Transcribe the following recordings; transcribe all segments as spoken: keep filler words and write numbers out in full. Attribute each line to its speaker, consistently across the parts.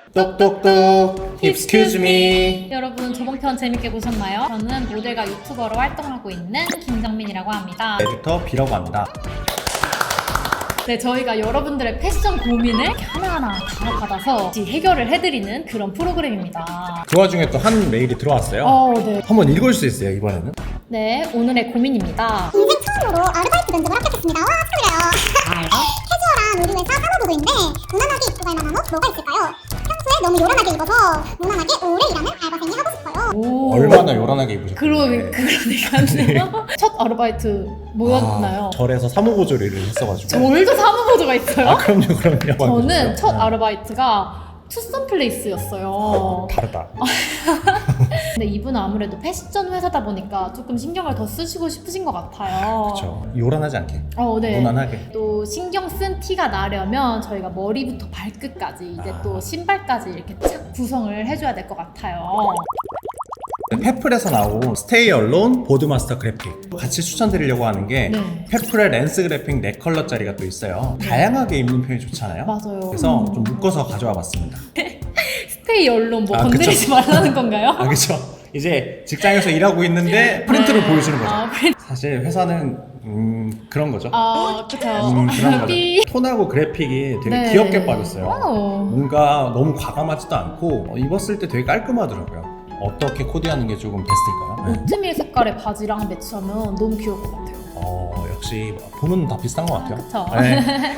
Speaker 1: 똑똑똑 Excuse me.
Speaker 2: 여러분 저번 편 재밌게 보셨나요? 저는 모델과 유튜버로 활동하고 있는 김정민이라고 합니다.
Speaker 1: 에디터 B라고 합니다.
Speaker 2: 네, 저희가 여러분들의 패션 고민을 이렇게 하나하나 다 받아서 해결을 해드리는 그런 프로그램입니다.
Speaker 1: 그 와중에 또 한 메일이 들어왔어요.
Speaker 2: 어, 네.
Speaker 1: 한번 읽을 수 있어요, 이번에는?
Speaker 2: 네, 오늘의 고민입니다.
Speaker 3: 인생 처음으로 아르바이트 면접을 합격했습니다. 와, 축하드려요. 캐주얼한 우리 회사 사무보도인데 무난하게 입고 갈 만한 옷 뭐가 있을까요? 평소에 너무 요란하게 입어서 무난하게 오래 일하는 알바생이 하고 싶어요.
Speaker 2: 오.
Speaker 1: 얼마나 요란하게 입으셨나요?
Speaker 2: 그러, 그러니까요. 첫 아르바이트 뭐였나요?
Speaker 1: 아, 절에서 사무보조를 일을 했어가지고.
Speaker 2: 저월도 사무보조가 있어요?
Speaker 1: 아, 그럼요, 그럼요.
Speaker 2: 저는 첫
Speaker 1: 네.
Speaker 2: 아르바이트가 투썸 플레이스였어요.
Speaker 1: 다르다.
Speaker 2: 근데 이분은 아무래도 패션 회사다 보니까 조금 신경을 더 쓰시고 싶으신 것 같아요.
Speaker 1: 그렇죠. 요란하지 않게.
Speaker 2: 어, 네.
Speaker 1: 무난하게.
Speaker 2: 또 신경 쓴 티가 나려면 저희가 머리부터 발끝까지 이제
Speaker 1: 아.
Speaker 2: 또 신발까지 이렇게 착 구성을 해줘야 될 것 같아요.
Speaker 1: 페플에서 나온 스테이 얼론 보드마스터 그래픽 같이 추천드리려고 하는 게
Speaker 2: 네.
Speaker 1: 페플의 렌스 그래픽 네 컬러짜리가 또 있어요. 다양하게 입는 편이 좋잖아요.
Speaker 2: 맞아요.
Speaker 1: 그래서 좀 묶어서 가져와 봤습니다.
Speaker 2: 스테이 언론 뭐
Speaker 1: 아,
Speaker 2: 건드리지
Speaker 1: 그쵸.
Speaker 2: 말라는 건가요?
Speaker 1: 아, 그렇죠. 이제 직장에서 일하고 있는데 프린트를 보여주는 거죠.
Speaker 2: 아, 프린-
Speaker 1: 사실 회사는 음, 그런 거죠.
Speaker 2: 아, 그쵸.
Speaker 1: 음, 그런 거죠.
Speaker 2: 삐.
Speaker 1: 톤하고 그래픽이 되게
Speaker 2: 네.
Speaker 1: 귀엽게 빠졌어요.
Speaker 2: 와우.
Speaker 1: 뭔가 너무 과감하지도 않고 어, 입었을 때 되게 깔끔하더라고요. 어떻게 코디하는 게 조금 베스트일까요? 네.
Speaker 2: 오트밀 색깔의 바지랑 매치하면 너무 귀여울 것 같아요.
Speaker 1: 어, 역시 보면 다 비슷한 것 같아요.
Speaker 2: 그쵸.
Speaker 1: 네.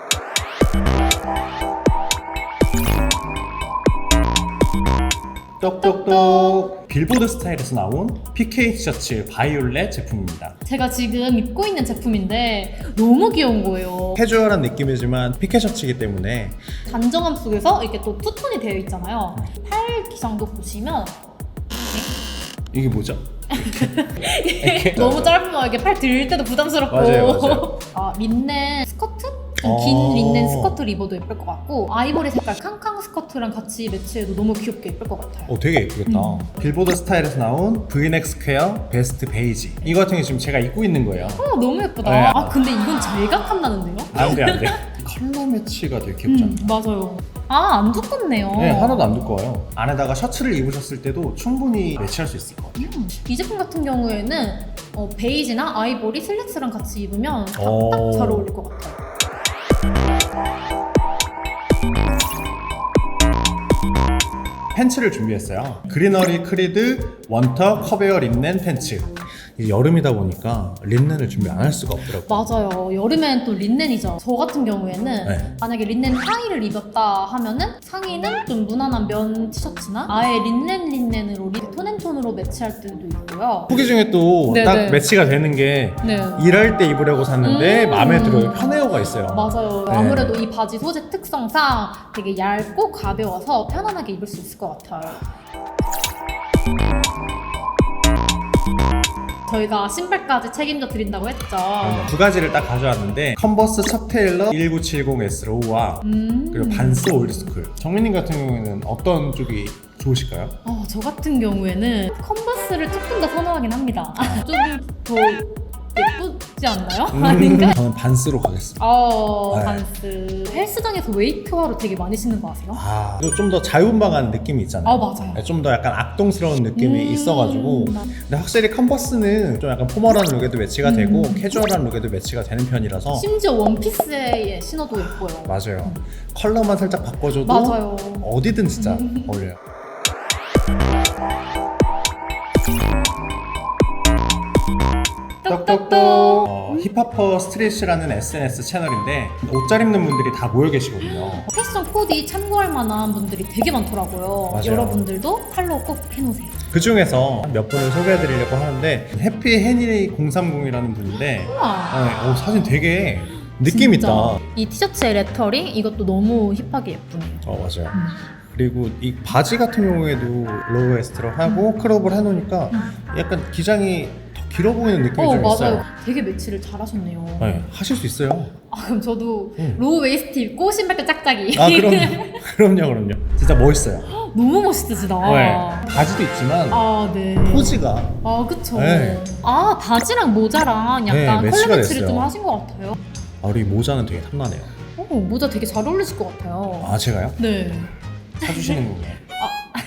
Speaker 1: 똑똑똑 빌보드 스타일에서 나온 피케이 티셔츠 바이올렛 제품입니다.
Speaker 2: 제가 지금 입고 있는 제품인데 너무 귀여운 거예요.
Speaker 1: 캐주얼한 느낌이지만 피케 셔츠이기 때문에
Speaker 2: 단정함 속에서 이렇게 또 투톤이 되어 있잖아요. 팔 기장도 보시면
Speaker 1: 이게 뭐죠? 이렇게.
Speaker 2: 너무 짧으면 이렇게 팔 들 때도 부담스럽고.
Speaker 1: 맞아요, 맞아요.
Speaker 2: 아, 린넨 스커트? 좀
Speaker 1: 어.
Speaker 2: 긴 린넨 스커트를 입어도 예쁠 것 같고 아이보리 색깔 캉캉 스커트랑 같이 매치해도 너무 귀엽게 예쁠 것 같아요.
Speaker 1: 어, 되게 예쁘겠다.
Speaker 2: 음.
Speaker 1: 빌보드 스타일에서 나온 브이넥 스퀘어 베스트 베이지. 이거 같은 게 지금 제가 입고 있는 거예요.
Speaker 2: 어, 너무 예쁘다.
Speaker 1: 네.
Speaker 2: 아, 근데 이건 제각함 나는데요?
Speaker 1: 안 돼, 안 돼. 컬러 매치가 되게 귀엽지 않나요?
Speaker 2: 음, 맞아요. 아, 안 두껍네요.
Speaker 1: 네, 하나도 안 두꺼워요. 안에다가 셔츠를 입으셨을 때도 충분히 매치할 수 있을 것 같아요.
Speaker 2: 음, 이 제품 같은 경우에는 어, 베이지나 아이보리 슬랙스랑 같이 입으면 딱
Speaker 1: 오.
Speaker 2: 잘 어울릴 것 같아요.
Speaker 1: 팬츠를 준비했어요. 그리너리 크리드 원터 커베어 린넨 팬츠. 이게 여름이다 보니까 린넨을 준비 안 할 수가 없더라고요.
Speaker 2: 맞아요. 여름엔 또 린넨이죠. 저 같은 경우에는
Speaker 1: 네.
Speaker 2: 만약에 린넨 하의를 입었다 하면은 상의는 좀 무난한 면 티셔츠나 아예 린넨 린넨으로 리- 톤앤톤으로 매치할 때도 있고요.
Speaker 1: 후기 중에 또
Speaker 2: 네,
Speaker 1: 딱
Speaker 2: 네.
Speaker 1: 매치가 되는 게
Speaker 2: 네.
Speaker 1: 일할 때 입으려고 샀는데
Speaker 2: 음.
Speaker 1: 마음에 들어요. 편해요가 있어요.
Speaker 2: 맞아요.
Speaker 1: 네.
Speaker 2: 아무래도 이 바지 소재 특성상 되게 얇고 가벼워서 편안하게 입을 수 있을 것 같아요. 저희가 신발까지 책임져 드린다고 했죠.
Speaker 1: 그러면 두 가지를 딱 가져왔는데 컨버스 첩 테일러 일구칠공 에스로우와
Speaker 2: 음.
Speaker 1: 그리고 반스 올드스쿨. 정민님 같은 경우에는 어떤 쪽이 좋으실까요?
Speaker 2: 어, 저 같은 경우에는 컨버스를 조금 더 선호하긴 합니다. 좀 더 예쁘지 않나요? 아닌가?
Speaker 1: 저는 반스로 가겠습니다.
Speaker 2: 어,
Speaker 1: 네.
Speaker 2: 반스. 헬스장에서 웨이트화로 되게 많이 신는 거 아세요?
Speaker 1: 아, 좀 더 자유분방한 느낌이 있잖아요.
Speaker 2: 아, 맞아요.
Speaker 1: 좀 더 약간 악동스러운 느낌이
Speaker 2: 음,
Speaker 1: 있어가지고
Speaker 2: 맞-
Speaker 1: 근데 확실히 컨버스는 좀 약간 포멀한 룩에도 매치가 되고
Speaker 2: 음.
Speaker 1: 캐주얼한 룩에도 매치가 되는 편이라서
Speaker 2: 심지어 원피스에 신어도 예뻐요.
Speaker 1: 맞아요. 컬러만 살짝 바꿔줘도
Speaker 2: 맞아요.
Speaker 1: 어디든 진짜 어울려요. 똑똑똑 어, 힙합퍼 스트릿이라는 에스엔에스 채널인데 옷 잘 입는 분들이 다 모여 계시거든요.
Speaker 2: 패션 코디 참고할 만한 분들이 되게 많더라고요.
Speaker 1: 맞아요.
Speaker 2: 여러분들도 팔로우 꼭 해놓으세요.
Speaker 1: 그 중에서 몇 분을 소개해드리려고 하는데 해피 해니 공삼공이라는 분인데
Speaker 2: 우와.
Speaker 1: 아, 어, 사진 되게 느낌
Speaker 2: 진짜.
Speaker 1: 있다.
Speaker 2: 이 티셔츠의 레터링 이것도 너무 힙하게 예쁘네요.
Speaker 1: 어, 맞아요.
Speaker 2: 음.
Speaker 1: 그리고 이 바지 같은 경우에도 로우 웨스트로 하고 크롭을 해놓으니까 약간 기장이 더 길어 보이는 느낌이
Speaker 2: 어,
Speaker 1: 좀
Speaker 2: 맞아요.
Speaker 1: 있어요.
Speaker 2: 되게 매치를 잘하셨네요.
Speaker 1: 네, 하실 수 있어요.
Speaker 2: 아, 그럼 저도
Speaker 1: 음.
Speaker 2: 로우 웨이스트 입고 신발끈 짝짝이.
Speaker 1: 아, 그럼요. 그럼요, 그럼요. 진짜 멋있어요.
Speaker 2: 너무 멋있으시다.
Speaker 1: 네. 바지도 있지만
Speaker 2: 아, 네.
Speaker 1: 포즈가
Speaker 2: 아, 그쵸.
Speaker 1: 네.
Speaker 2: 아, 바지랑 모자랑
Speaker 1: 네,
Speaker 2: 약간
Speaker 1: 매치가
Speaker 2: 컬러 매치를
Speaker 1: 됐어요.
Speaker 2: 좀 하신 것 같아요.
Speaker 1: 아, 우리 모자는 되게 탐나네요.
Speaker 2: 어, 모자 되게 잘 어울리실 것 같아요.
Speaker 1: 아, 제가요?
Speaker 2: 네.
Speaker 1: 사주시는 거예요.
Speaker 2: 아,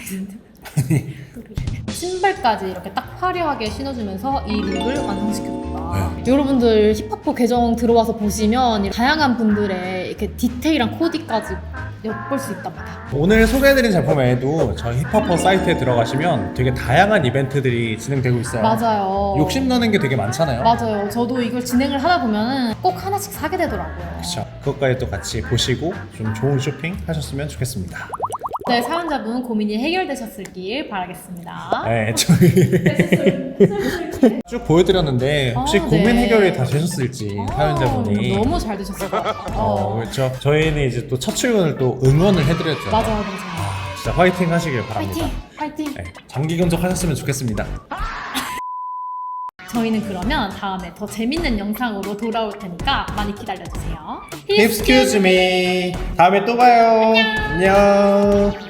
Speaker 2: 신발까지 이렇게 딱 화려하게 신어주면서 이 룩을 완성시켰다.
Speaker 1: 네.
Speaker 2: 여러분들 힙합퍼 계정 들어와서 보시면 다양한 분들의 이렇게 디테일한 코디까지 엿볼 수 있답니다.
Speaker 1: 오늘 소개해드린 제품 외에도 저희 힙합퍼 사이트에 들어가시면 되게 다양한 이벤트들이 진행되고 있어요.
Speaker 2: 맞아요.
Speaker 1: 욕심나는 게 되게 많잖아요.
Speaker 2: 맞아요. 저도 이걸 진행을 하다 보면 꼭 하나씩 사게 되더라고요.
Speaker 1: 그렇죠. 그것까지 또 같이 보시고 좀 좋은 쇼핑 하셨으면 좋겠습니다.
Speaker 2: 네, 사연자분 고민이 해결되셨길 바라겠습니다.
Speaker 1: 네, 저희 쭉 보여드렸는데 혹시
Speaker 2: 아,
Speaker 1: 고민
Speaker 2: 네.
Speaker 1: 해결이 다 되셨을지 사연자분이
Speaker 2: 아, 너무 잘 되셨을 것 같아요.
Speaker 1: 어, 그렇죠. 저희는 이제 또 첫 출근을 또 응원을 해드렸죠.
Speaker 2: 맞아요, 맞아요.
Speaker 1: 아, 진짜 화이팅 하시길 바랍니다.
Speaker 2: 파이팅! 파이팅!
Speaker 1: 네, 장기 근속하셨으면 좋겠습니다.
Speaker 2: 저희는 그러면 다음에 더 재밌는 영상으로 돌아올 테니까 많이 기다려주세요.
Speaker 1: Excuse me. 다음에 또 봐요. 안녕.